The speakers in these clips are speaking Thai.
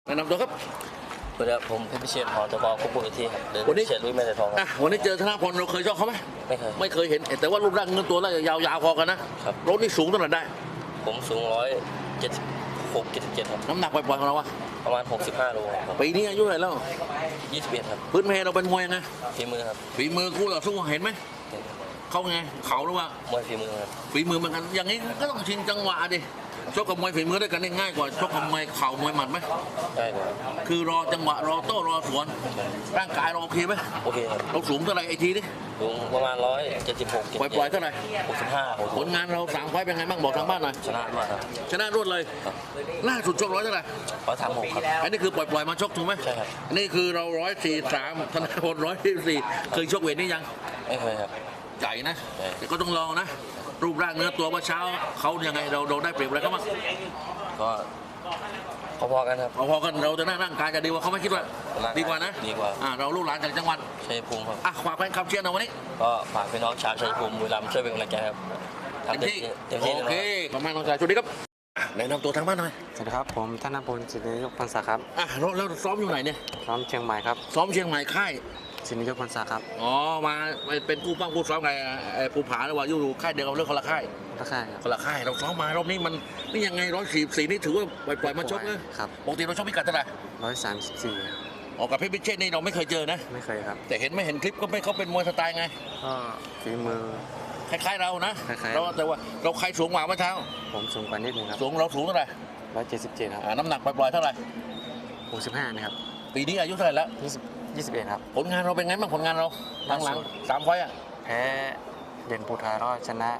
แนะนำตัวครับสวัสดีครับผมเพชรพิเชษฐ์หอตบควบคุมที่ครับเดินพิเชษฐ์ลุยแม่แต่ทองครับวันนี้เจอธนพลเราเคยชอบเขาไหมไม่เคยเห็นแต่ว่ารูปร่างเงินตัวแล้วยาวๆพอกันนะครับรถนี่สูงเท่าไหร่ได้ผมสูง176-77ครับน้ำหนักปล่อยๆของเราอะประมาณ65 โลครับปีนี้อายุเท่าไหร่แล้ว 21ครับพื้นเพเราเป็นมวยไงฝีมือครับฝีมือคู่ต่อสู้เห็นไหมเขาไงเขาหรือว่ามวยฝีมือครับฝีมือเหมือนกันอย่างนี้ก็ต้องชิงจังหวะดิชกกับมวยฝีมือด้วยกันง่ายกว่าชกกับมวยเข่ามวยหมัดไหมได้ครับคือรอจังหวะรอโต้รอสวนร่างกายเราโอเคไหมโอเคครับเราสูงเท่าไหร่ไอทีดิสูงประมาณ176 ปล่อยเท่าไหร่ 65 ผลงานเรา3 ไฟล์เป็นไงบ้างบอกทางบ้านหน่อยชนะมาครับชนะรวดเลยล่าสุดชก100เท่าไหร่ 136ครับอันนี้คือปล่อยมาชกถูกไหมใช่ครับอันนี้คือเรา143ธนาพล144เคยชกเวทนี้ยังไม่เคยครับใหญ่นะแต่ก็ต้องลองนะรูปร่างเนื้อตัวเมื่อเช้าเขายังไงเราได้เปรียบอะไรเขาบ้างก็พอๆกันครับพอกันเราจะหน้าร่างกายจะดีกว่าเขาไม่คิดว่าดีกว่านะดีกว่าเราลูกหลานจากจังหวัดชัยภูมิครับฝากแฟนคลับเชียร์นะวันนี้ก็ฝากพี่น้องชาวชัยภูมิบุรีรัมย์ช่วยเป็นกำลังใจครับเต็มที่โอเคขอบคุณน้องชายสวัสดีครับแนะนำตัวทางบ้านหน่อยสวัสดีครับผมธนพลศิริยกพรรษาครับแล้วซ้อมอยู่ไหนเนี่ยซ้อมเชียงใหม่ครับซ้อมเชียงใหม่ค่ายศิริยกพรรษาครับมาเป็นกู้ปั้งกู้ซ้อมไงภูผาหรือว่าอยู่ค่ายเดียวกันเรื่องคนละค่ายคนละค่ายเราซ้อมมารอบนี้มันนี่ยังไง144นี่ถือว่าปล่อยมาชกนะครับปกติเราชกพิกัดเท่าไหร่ 134 กับเพชรพิเชษนี่เราไม่เคยเจอนะไม่เคยครับแต่เห็นคลิปก็ไม่เขาเป็นมวยสไตล์ไงก็ฝีมือคล้ายๆเรานะเราแต่ว่าเราใครสูงกว่าเมื่อเช้าผมสูงกว่านิดนึงครับเราสูงเท่าไหร่ 177ครับน้ำหนักปล่อยเท่าไหร่ 65นะครับปีนี้อายุเท่าไหร่แล้ว 21ครับผลงานเราเป็นไงบ้างผลงานเราหลัง3 ไฟล์แพ้เด่นภูทารอดชนะ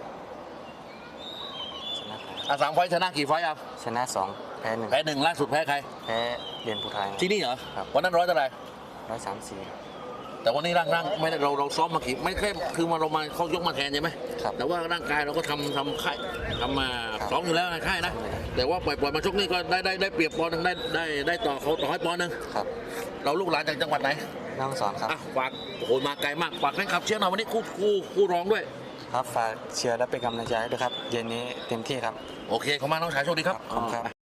3 ไฟล์ชนะกี่ไฟล์ชนะ2แพ้ 1ล่าสุดแพ้ใครแพ้เด่นภูทารที่นี่เหรอวันนั้น100เท่าไหร่ 134 แต่วันนี้ร่างไม่ได้เราซ้อมมากี่ไม่แค่คือมาเรามาเขายกมาแทนใช่ไหมแต่ว่าร่างกายเราก็ทำค่ายทำมาซ้อมอยู่แล้วในค่ายนะแต่ว่าปล่อยมาชกนี่ก็ได้เปรียบปอนด์นึงได้ต่อเขาต่อให้ปอนด์นึงเราลูกหลานจากจังหวัดไหนน้องสอนครับฝากโอ้มาไกลมากฝากแฟนคลับเชียร์หน่อยวันนี้คู่ร้องด้วยครับฝากเชียร์และเป็นกำลังใจด้วยครับเย็นนี้เต็มที่ครับโอเคขอบคุณมากน้องชายโชคดีครับ